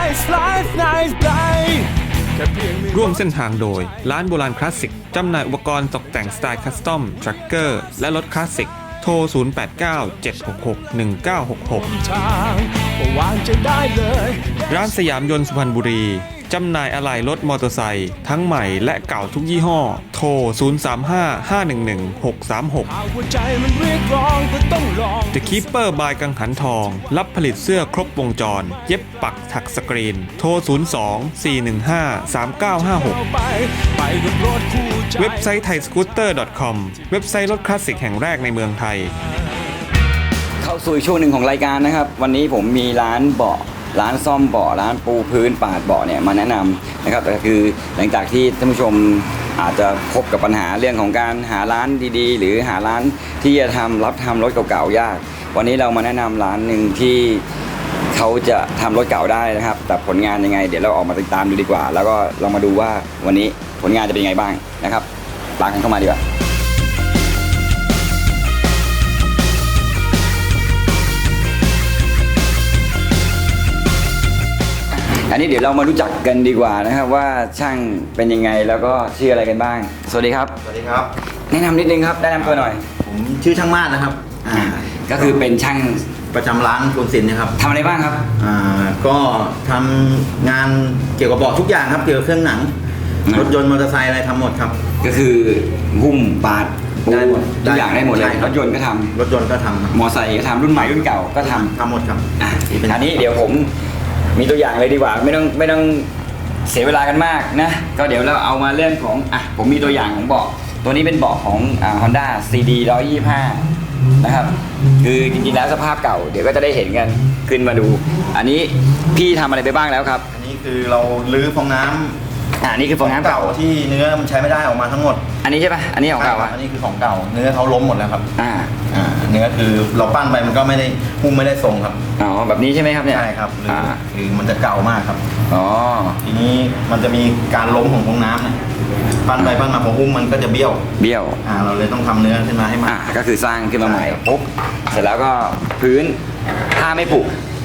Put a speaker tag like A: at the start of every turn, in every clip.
A: ร่วมเส้นทางโดยร้านโบราณคลาสสิกจำหน่ายอุปกรณ์ตกแต่งสไตล์คัสตอมทรัคเกอร์และรถคลาสสิกโทร 0897661966 ร้านสยามยนต์สุพรรณบุรีจำหน่ายอะไหล่รถมอเตอร์ไซค์ทั้งใหม่และเก่าทุกยี่ห้อโทร 0355111636 The Keeper by กังหันทองรับผลิตเสื้อครบวงจรเย็บปักถักสกรีนโทร 02-415-3956 เว็บไซต์ thaiscooter.com เว็บไซต์รถคลาสสิกแห่งแรกในเมืองไทย
B: เข้าสู่ช่วงหนึ่งของรายการนะครับวันนี้ผมมีร้านเบาะร้านซ่อมเบาะร้านปูพื้นปาดเบาะเนี่ยมาแนะนำนะครับแต่คือหลังจากที่ท่านผู้ชมอาจจะพบกับปัญหาเรื่องของการหาร้านดีๆหรือหาร้านที่จะรับทำรถเก่าๆยากวันนี้เรามาแนะนำร้านหนึ่งที่เขาจะทำรถเก่าได้นะครับแต่ผลงานยังไงเดี๋ยวเราออกมาติดตามดูดีกว่าแล้วก็ลองมาดูว่าวันนี้ผลงานจะเป็นยังไงบ้างนะครับตามกันเข้ามาดีกว่าอันนี้เดี๋ยวเรามารู้จักกันดีกว่านะครับว่าช่างเป็นยังไงแล้วก็ชื่ออะไรกันบ้างสวัสดีครับ
C: สวัสดีครับ
B: แนะนำนิดนึงครับแนะนำตัวหน่อย
C: ผมชื่อช่างมาศนะครับ
B: ก็คือเป็นช่าง
C: ประจำร้านกรุงศิลป์นะครับ
B: ทำอะไรบ้างครับ
C: ก็ทำงานเกี่ยวกับเบาะทุกอย่างครับเกี่ยวกับเครื่องหนังรถยนต์มอเตอร์ไซค์อะไรทำหมดครับ
B: ก็คือหุ้มปาดได้หมดทุกอย่างได้หมดเลยรถยนต์ก็ทำ
C: รถยนต์ก็ทำ
B: มอเตอร์ไซค์ก็ทำรุ่นใหม่รุ่นเก่าก็ท
C: ำหมดครับ
B: อันนี้เดี๋ยวผมมีตัวอย่างเลยดีกว่าไม่ต้องเสียเวลากันมากนะก็เดี๋ยวเราเอามาเรื่องของผมมีตัวอย่างของเบาะตัวนี้เป็นเบาะของ Honda CD 125นะครับคือจริงๆแล้วสภาพเก่าเดี๋ยวก็จะได้เห็นกันขึ้นมาดูอันนี้พี่ทำอะไรไปบ้างแล้วครับ
C: อันนี้คือเราลื้อฟองน้ำ
B: นี่คือฟองน้ำเก่า
C: ที่เนื้อมันใช้ไม่ได้ออกมาทั้งหมด
B: อันนี้ใช่ปะอันนี้ของเก่า
C: อันนี้คือของเก่าเนื้อเขาล้มหมดแล้วครับเนื้อคือเราปั้นไปมันก็ไม่ได้หุ้มไม่ได้ทรงครับ
B: แบบนี้ใช่ไหมครับเนี่ย
C: ใช่ครับคือมันจะเก่ามากครับทีนี้มันจะมีการล้มของฟองน้ำเนี่ยปั้นไปปั้นมาพอหุ้มมันก็จะเบี้ยวเราเลยต้องทำเนื้อขึ้นมาให้มัน
B: ก็คือสร้างขึ้นมาใหม่ปุ๊บเสร็จแล้วก็พื้นถ้าไม่ผุ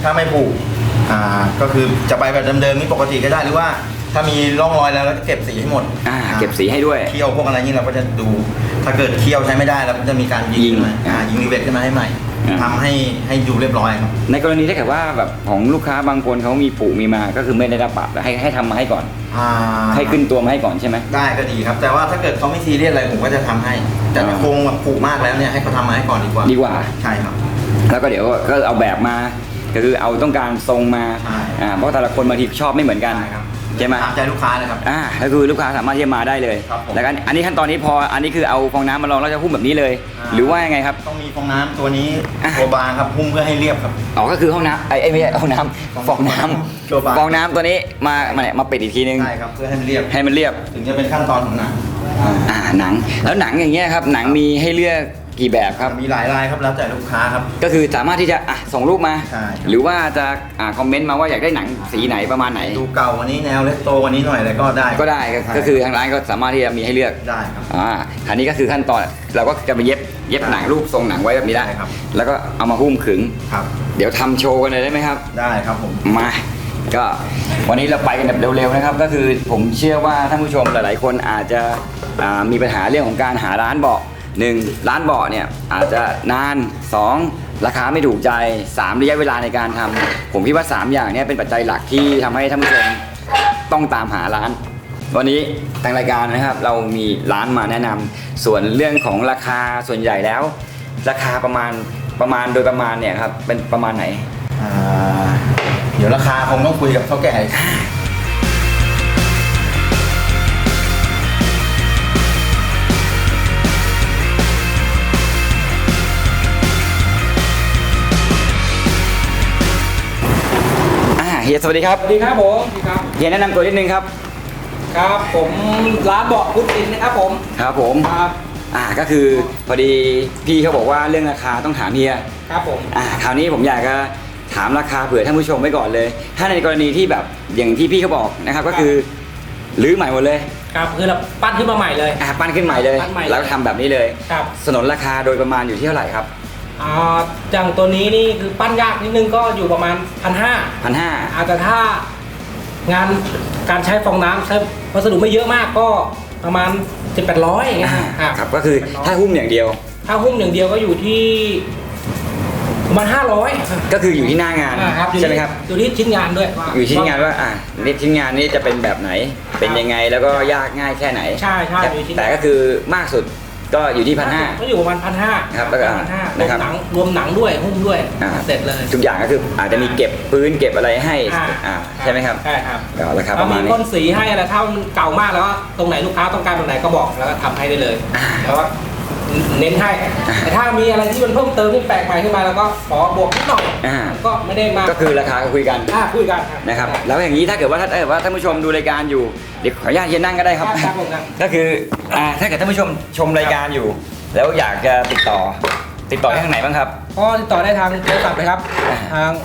C: ก็คือจะไปแบบเดิมๆนี่ปกติก็ได้หรือว่าถ้ามีร่องรอยแล้วเราจะเก็บสีให้หมด
B: เก็บสีให้ด้วย
C: เคี่ยวพวกอะไรนี้เราก็จะดูถ้าเกิดเคี่ยวใช้ไม่ได้เราก็จะมีการยิงรีเวทขึ้นมาให้ใหม่ทำให้ดูเรียบร้อยครับ
B: ในกรณีถ้าเกิดว่าแบบของลูกค้าบางคนเขามีปุมีมาก็คือไม่ได้รับปรับให้ทำมาให้ก่อนให้ขึ้นตัวมาให้ก่อนใช่ไหม
C: ได้ก็ดีครับแต่ว่าถ้าเกิดเขาไม่ซีเรียสอะไรผมก็จะทำให้แต่ถ้าโครงแบบปุมากแล้วเนี่ยให้เขาทำมาให้ก่อนดีกว่าใช่ครับ
B: แล้วก็เดี๋ยวก็เอาแบบมาก็คือเอาต้องการทรงมาเพราะแต่ละคนบางทีชอบไม่เหมือนกันใช่ไหม
C: ตามใจลูกค้าเลยครับ
B: ก็คือลูกค้าสามารถที่จะมาได้เลยแล้วกันอันนี้ขั้นตอนนี้พออันนี้คือเอาฟองน้ำมาลองแล้วจะหุ้มแบบนี้เลยหรือว่ายังไงครับ
C: ต้องมีฟองน้ำตัวนี้ตัวบางครับหุ้มเพื่อให้เรียบครับ
B: ก็คือห้องน้ำไม่ใช่ห้องน้ำฟองน้ำตัวนี้มาปิดอีกทีนึง
C: ใช่ครับเพื่อให้มันเรียบถึงจะเป็นขั้นตอนของหนัง
B: หนังแล้วหนังอย่างเงี้ยครับหนังมีให้เลือกกี่แบบครับ
C: มีหลายลายครับแล้วแต่ลูกค้าครับ
B: ก็คือสามารถที่จะส่งรูปมาหรือว่าจะคอมเมนต์มาว่าอยากได้หนังสีไหนประมาณไหน
C: ดูเก่าวันนี้แนวเลตโตวันนี้หน่อยอะไรก็ได้
B: ก็คือทางร้านก็สามารถที่จะมีให้เลือก
C: ได้ครับ
B: อันนี้ก็คือขั้นตอนเราก็จะไปเย็บหนังรูปทรงหนังไว้แบบนี้ได้
C: ครับ
B: แล้วก็เอามาหุ้มขึง
C: ครับ
B: เดี๋ยวทำโชว์กันเลยได้ไหมครับ
C: ได้ครับผม
B: มาก็วันนี้เราไปกันแบบเร็วๆนะครับก็คือผมเชื่อว่าท่านผู้ชมหลายๆคนอาจจะมีปัญหาเรื่องของการหาร้านเบาะ1ร้านเบาะเนี่ยอาจจะนาน2ราคาไม่ถูกใจ3ระยะเวลาในการทำผมคิดว่า3อย่างนี้เป็นปัจจัยหลักที่ทำให้ท่านผู้ชมต้องตามหาร้านวันนี้ทางรายการนะครับเรามีร้านมาแนะนำส่วนเรื่องของราคาส่วนใหญ่แล้วราคาประมาณโดยประมาณเนี่ยครับเป็นประมาณไหน
C: เดี๋ยวราคาคงต้องคุยกับเท่าแก่
B: เฮียสวัสดีครับ
D: สวัสดีครับผม
B: เฮียแนะนำตัวนิดนึงครับ
D: ครับผมร้านเบาะพุทธินนะครับผม
B: ครับผมครับก็คือพอดีพี่เขาบอกว่าเรื่องราคาต้องถามเฮีย
D: ครับผม
B: คราวนี้ผมอยากจะถามราคาเผื่อท่านผู้ชมไว้ก่อนเลยถ้าในกรณีที่แบบอย่างที่พี่เขาบอกนะครับก็คือรื้อใหม่หมดเลย
D: ครับคือเราปั้นขึ้นมาใหม่เลย
B: ปั้นขึ้นใหม่เลยแล้วทำแบบนี้เลย
D: ครับ
B: สนนราคาโดยประมาณอยู่ที่เท่าไหร่ครับ
D: อย่างตัวนี้นี่คือปั้นยากนิดนึงก็อยู่ประมาณ1,500อาจจะถ้างานการใช้ฟองน้ำใช้วัสดุไม่เยอะมากก็ประมาณ700-800อย่างเงี้ย
B: ครับก็คือถ้าหุ้มอย่างเดียว
D: ถ้าหุ้มอย่างเดียวก็อยู่ที่ประมาณ500
B: ก็คืออยู่ที่หน้างานใช่ไหมครับ
D: อยู่ที่ชิ้นงานด้วย
B: อยู่ชิ้นงานว่านี่ชิ้นงานนี้จะเป็นแบบไหนเป็นยังไงแล้วก็ยากง่ายแค่ไหน
D: ใช่
B: แต่ก็คือมากสุดก็อยู่ที่1,500
D: ก็อยู่ประมาณ1,500
B: ครับแล้วก็
D: นะครับรวมหนังด้วยหุ้มด้วยเสร็จเลย
B: ทุกอย่างก็คืออาจจะมีเก็บพื้นเก็บอะไรให้ใช่ไหมครับ
D: ใช่ครับ
B: ราคาประมาณนี้
D: มีพ่นสีให้อะไรถ้ามันเก่ามากแล้วตรงไหนลูกค้าต้องการตรงไหนก็บอกแล้วก็ทำให้ได้เลยแล้วว่าเน้นให้แต่ถ้ามีอะไรที่มันเพิ่มเติมที่แปลกใหม่ขึ้นมาแล้วก็ขอบวกนิดหน่อยก็ไม่ได้มา
B: ก็คือราคาคุยกันนะครับแล้วอย่างนี้ถ้าเกิดว่าท่านผู้ชมดูรายการอยู่เดี๋ยวขออนุญาตเฮียนั่งก็ได้ครับก็คือถ้าเกิดท่านผู้ชมชมรายการอยู่แล้วอยากจะติดต่อทางไหนบ้างครับ
D: ก็ติดต่อได้ทางโทรศัพท์เลยครับทาง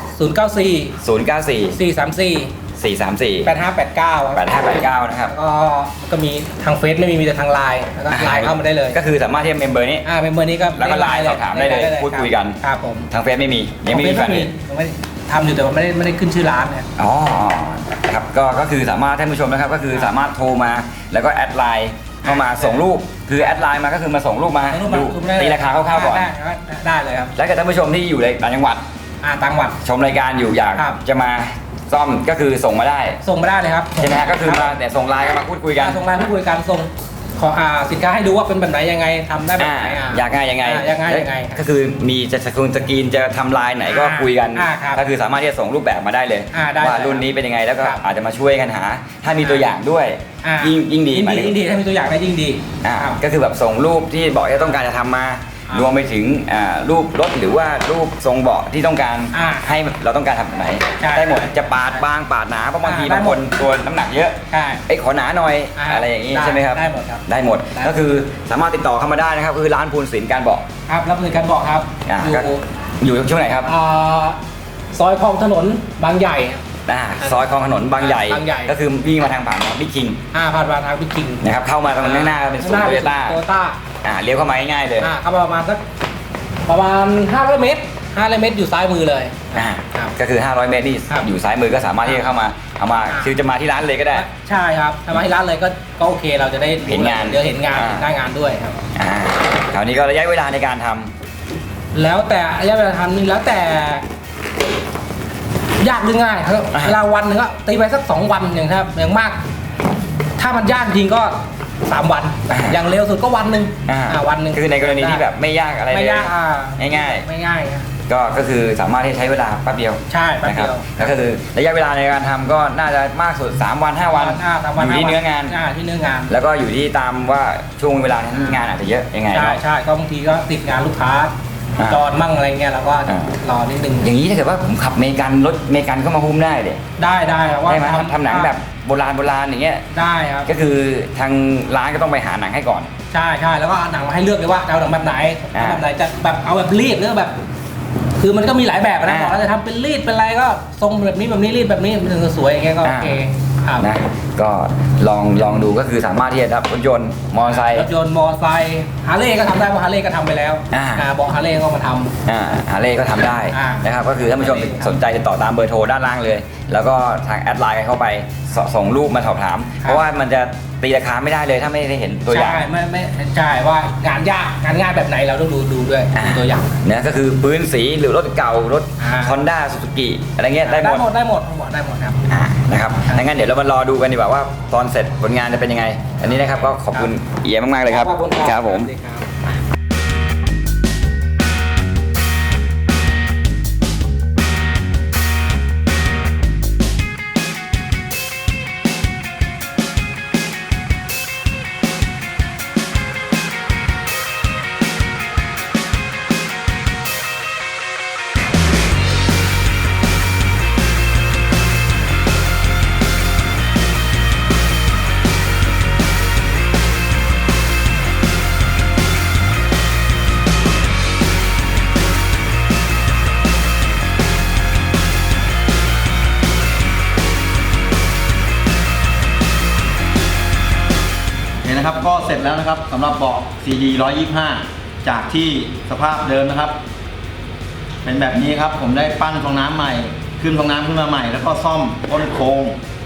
D: 094
B: 8589นะครับ
D: ก็มีทางเฟซไม่มีแต่ทางไลน์แล้วก็ไลน์เข้ามาได้เลย
B: ก็คือสามารถที่เมมเบอร์นี้
D: เมมเบอร์นี้ก็
B: แล้วก็ไลน์สอบถามได้เลยพูดคุยกัน
D: ครับผม
B: ทางเฟซไม่มียังไม่มีแฟนเพจ
D: ทำอยู่แต่ว่าไม่ได้ขึ้นชื่อร้านเนี่ย
B: ครับก็คือสามารถท่านผู้ชมนะครับก็คือสามารถโทรมาแล้วก็แอดไลน์เข้ามาส่งรูปคือแอดไลน์มาก็คือมาส่งรูปมาดูตีราคาคร่าวๆก่อน
D: ได้เลยครับ
B: แล้วกับท่านผู้ชมที่อยู่ในต่างจังหวัดชมรายการอยู่อยากจะมาซ่อมก็คือส่งมาได้
D: เลยครับ
B: ใช่ไหมก็คือมาแต่ส่งไลน์มาพูดคุยกัน
D: ส่งไลน์พูดคุยกันส่งขอสินค้าให้ดูว่าเป็นแบบไหนยังไงทำได้แบบไหน
B: อยากง่ายยังไงก็คือมีจะสกรีนจะทำลายไหนก็คุยกันก็คือสามารถที่จะส่งรูปแบบมาได้เลยว่ารุ่นนี้เป็นยังไงแล้วก็อาจจะมาช่วยกันหาถ้ามีตัวอย่างด้วยยิ่งดี
D: ถ้ามีตัวอย่างได้ยิ่งดี
B: ก็คือแบบส่งรูปที่บอกว่าต้องการจะทำมารวมไปถึงรูปรถหรือว่ารูปทรงเบาะที่ต้องการให้เราต้องการทำแบบไหนได้หมดจะปาดบางปาดหนาเพราะบางทีบางคนตัวน้ำหนักเยอะขอหนาหน่อยอะไรอย่างนี้ใช่ไหมครับได้หมดก็คือสามารถติดต่อเข้ามาได้นะครับคือร้านภูลศิลป์การเบาะ
D: ครับรับศิลป์การเบาะครับ
B: อยู่ช่วงไหนครับ
D: ซอยคลองถนนบางใหญ่
B: ซอยคลองถนนบางใหญ่ก็คือวิ่งมาทางผ่านบิ๊กคิง
D: ผ่านมาทางบิ๊กคิง
B: นะครับเข้ามาตรงหน้าเป็นศูนย์โตโยต้าเลี้ยวเข้ามาง่ายๆเลย
D: เข้ามาประมาณ500 เมตรอยู่ซ้ายมือเลย
B: ก็คือ500 เมตรนี่อยู่ซ้ายมือก็สามารถที่จะเข้ามาเอามาคือจะมาที่ร้านเลยก็ได้
D: ใช่ครับถ้ามาที่ร้านเลยก็โอเคเราจะได้
B: เห็นงาน
D: เห็นงานหน้างานด้วยครับ
B: คราวนี้ก็ระยะเวลาในการทำ
D: แล้วแต่ระยะเวลาทำนี่แล้วแต่ยากหรือง่ายครับเวลาวันหนึ่งก็ตีไปสัก2 วันอย่างครับอย่างมากถ้ามันยากจริงก็3 วันอย่างเร็วสุดก็วันหนึ่ง
B: คือในกรณีที่แบบไม่ยากอะไรเลยง่ายก็คือสามารถที่ใช้เวลาแป๊บเดียว
D: ใช่แป๊บเดียว
B: แล้วก็คือระยะเวลาในการทำก็น่าจะมากสุด3 วัน 5 วันอยู่ที่เนื้องานแล้วก็อยู่ที่ตามว่าช่วงเวลานั้นงานอาจจะเยอะยังไง
D: ใช่ก็บางทีก็ติดงานลูกค้าจอดมั่งอะไรเงี้ยแล้วก็รอนิดนึง
B: อย่างนี้ถ้าเกิดว่าผมขับรถเมกันเข้ามาหุ้มได้เลย
D: ได้ว่า
B: ทำหนังแบบโบราณอย่างเงี้ย
D: ได้ครับ
B: ก็คือทางร้านก็ต้องไปหาหนังให้ก่อน
D: ใช่แล้วก็หนังมาให้เลือกเลยว่าเอาหนังแบบไหนจะแบบเอาแบบรีดหรือแบบคือมันก็มีหลายแบบนะบอกเราจะทำเป็นรีดเป็นอะไรก็ทรงแบบนี้รีดแบบนี้มันถึงจะสวยอย่างเงี้ยก็โอเค
B: นะก็ลองดูก็คือสามารถที่จะรถยนต์มอเตอร์ไซค์
D: ฮาร์เลย์ก็ทำได้เพราะฮาร์เลย์ก็ทำไปแล้วบอกฮาร์เลย์ก็มาท
B: ำฮาร์เลย์ก็ทำได้นะครับก็คือท่านผู้ชมสนใจติดต่อตามเบอร์โทรด้านล่างเลยแล้วก็ทางแอดไลน์เข้าไปส่งรูปมาสอบถามเพราะว่ามันจะตีราคาไม่ได้เลยถ้าไม่ได้เห็นตัวอย่าง
D: ไม่ใช่ว่างานยากงานง่ายแบบไหนเราต้องดูด้วยตัวอย่าง
B: เนี่ยก็คือพื้นสีหรือรถเก่ารถ Honda Suzuki อะไรเงี้ยได้หมด
D: ครับ
B: นะครับงั้นเดี๋ยวเรามารอดูกันดีกว่าว่าตอนเสร็จผลงานจะเป็นยังไงอันนี้นะครับก็ขอบคุณเอียมากๆเลยครับครับผม
C: นะครับก็เสร็จแล้วนะครับสำหรับเบาะ CD 125จากที่สภาพเดิมนะครับเป็นแบบนี้ครับผมได้ปั้นฟองน้ำใหม่ขึ้นฟองน้ำขึ้นมาใหม่แล้วก็ซ่อมต้นโครง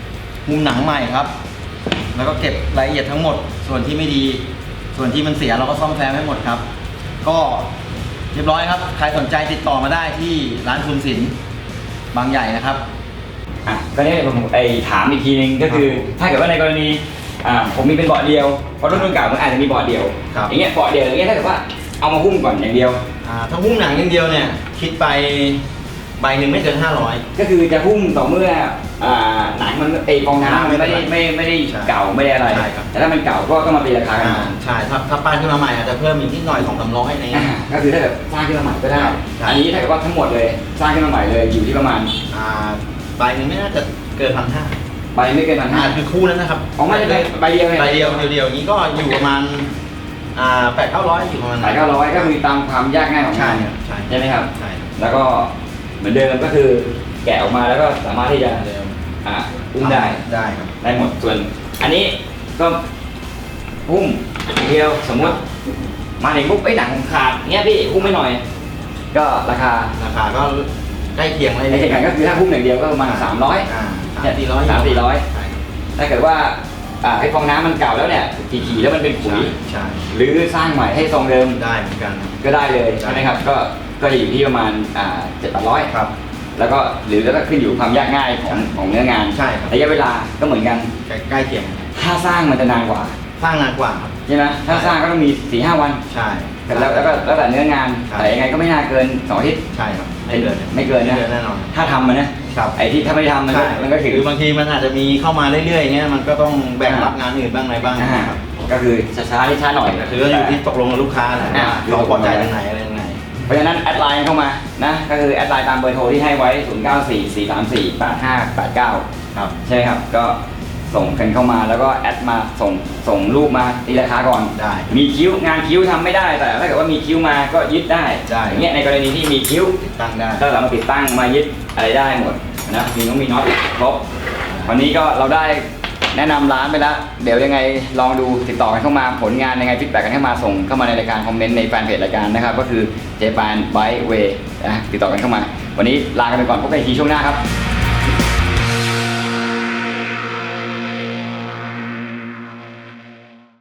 C: มุมหนังใหม่ครับ แล้วก็เก็บรายละเอียดทั้งหมด ส่วนที่ไม่ดี ส่วนที่มันเสียเราก็ซ่อมแซมให้หมดครับ ก็เรียบร้อยครับ ใครสนใจติดต่อมาได้ที่ร้านคุณศิลป์บางใหญ่นะครับ
B: อ่ะก็นี่ผมถามอีกทีนึงก็คือ ถ้าเกิดว่าในกรณีผมมีเป็นเบาะเดียวเพราะรุ่นเก่ามันอาจจะมีเบาะเดียว
C: ครับ
B: อย่างเงี้ยเบาะเดียวอย่างเงี้ยถ้าเกิดว่าเอามาหุ้มก่อนอย่างเดียว
C: ถ้าหุ้มหนังอย่างเดียวเนี่ยคิดไปใบหนึ่งไม่เกิน500
B: ก็คือจะหุ้มต่อเมื่อหนังมันฟองน้ำมันไม่ได้
C: ใช่
B: เก่าไม่ได้อะไร
C: ใช่ครับ
B: แต่ถ้ามันเก่าก็ต้องมาตีราคากัน
C: ใช่ถ้าป้ายขึ้นมาใหม่อาจจะเพิ่มอีกนิดหน่อย200-300อะไรเงี้ย
B: ก็คือถ้าเกิดสร้างขึ้นมาใหม่ก็ได้
C: ใช่
B: อันนี้ถ้าเกิดว่าทั้งหมดเลยสร้างขึ้นมาใหม่เลยอยู่ที่ประมาณ
C: ใบหนึ่งไม่น่าจะเกิน1,500
B: ใบไม่เกิน1,500
C: คือคู่นั้นนะครับ
B: อ๋อไม่ได้ใบเดียวเลย
C: ใบเดียวอย่างนี้ก็อยู่ประมาณ800-900อยู่ประมาณ
B: ขาย900ก็คือตามความยากง่ายของ
C: ใช่
B: งาน
C: ครับใช่
B: ใช่ไหมครับ
C: ใช่ครับ
B: แล้วก็เหมือนเดิมก็คือแกะออกมาแล้วก็สามารถที่จะ
C: เดิม
B: อุ้มได้
C: ได้ครับ
B: ได้หมดส่วน อันนี้ก็หุ้มอย่างเดียวสมมติมาถึงปุ๊บหนังขาดเงี้ยพี่หุ้มไม่หน่อย ก็ราคา
C: ราคาก็ใกล้เคียงเลย
B: ในเหตุการณ์ก็คือถ้าหุ้มอย่างเดียวก็ประมาณ300
C: 300-400
B: 300-400
C: ใช่ครับ
B: ถ้าเกิดว่าไอ้ฟองน้ำมันเก่าแล้วเนี่ยขี่ๆแล้วมันเป็นขุย
C: ใช่
B: หรือสร้างใหม่ให้ทรงเดิม
C: ได้เหมือนกัน
B: ก็ได้เลยใช่ไหมครับก็จะอยู่ที่ประมาณ700
C: ครับ
B: แล้วก็แล้วก็ขึ้นอยู่ความยากง่ายของเนื้องาน
C: ใช่ครับ
B: ระยะเวลาก็เหมือนกัน
C: ใกล้เคียง
B: ถ้าสร้างมันจะนานกว่า
C: สร้างนานกว่าครับ
B: ใช่ไหมถ้าสร้างก็ต้องมี 4-5 วัน
C: ใช่
B: แล้วก็แล้วแต่เนื้องาน
C: ใช่
B: แต่ยังไงก็ไม่น่าเกิน2 อาทิตย์
C: ใช่ครับไม่เกิน
B: ไม่เกินนะ
C: แน่นอน
B: ถ้าทำมันนะครับ ไอ้ที่ถ้าไม่ทำมันก็
C: ใช่
B: มันก็ถือ
C: คือบางทีมันอาจจะมีเข้ามาเรื่อยๆอย่างเงี้ยมันก็ต้องแบ่งรับงานอื่นบ้างอะไรบ้างนะครับ
B: ก็คือช้าๆที่ช้าหน่อย
C: แต่คือก็อยู่ที่ตกลงกับลูกค้าแหละว่าเขาพอใจตรงไหนอะไรตรงไหน
B: เพราะฉะนั้นแอดไลน์เข้ามานะก็คือแอดไลน์ตามเบอร์โทรที่ให้ไว้ 0944348589
C: ครับ
B: ใช่ไหมครับก็ส่งกันเข้ามาแล้วก็แอดมาส่งรูปมาตีราคาก่อน
C: ได้
B: มีคิ้วงานคิ้วทำไม่ได้แต่ถ้าเกิดว่ามีคิ้วมาก็ยึดได้
C: ได้
B: อย่างเงี้ยในกรณีที่มีคิ้ว
C: ติดตั้งได้
B: ก็สามารถติดตั้งมายึดอะไรได้หมดนะมีน็อตครบวันนี้ก็เราได้แนะนำร้านไปแล้วเดี๋ยวยังไงลองดูติดต่อกันเข้ามาผลงานยังไงฟีดแบ็กกันเข้ามาส่งเข้ามาในรายการคอมเมนต์ในแฟนเพจรายการนะครับก็คือ Japan Bike Way นะติดต่อกันเข้ามา วันนี้ลากันไปก่อนพบกันอีกทีช่วงหน้าครับ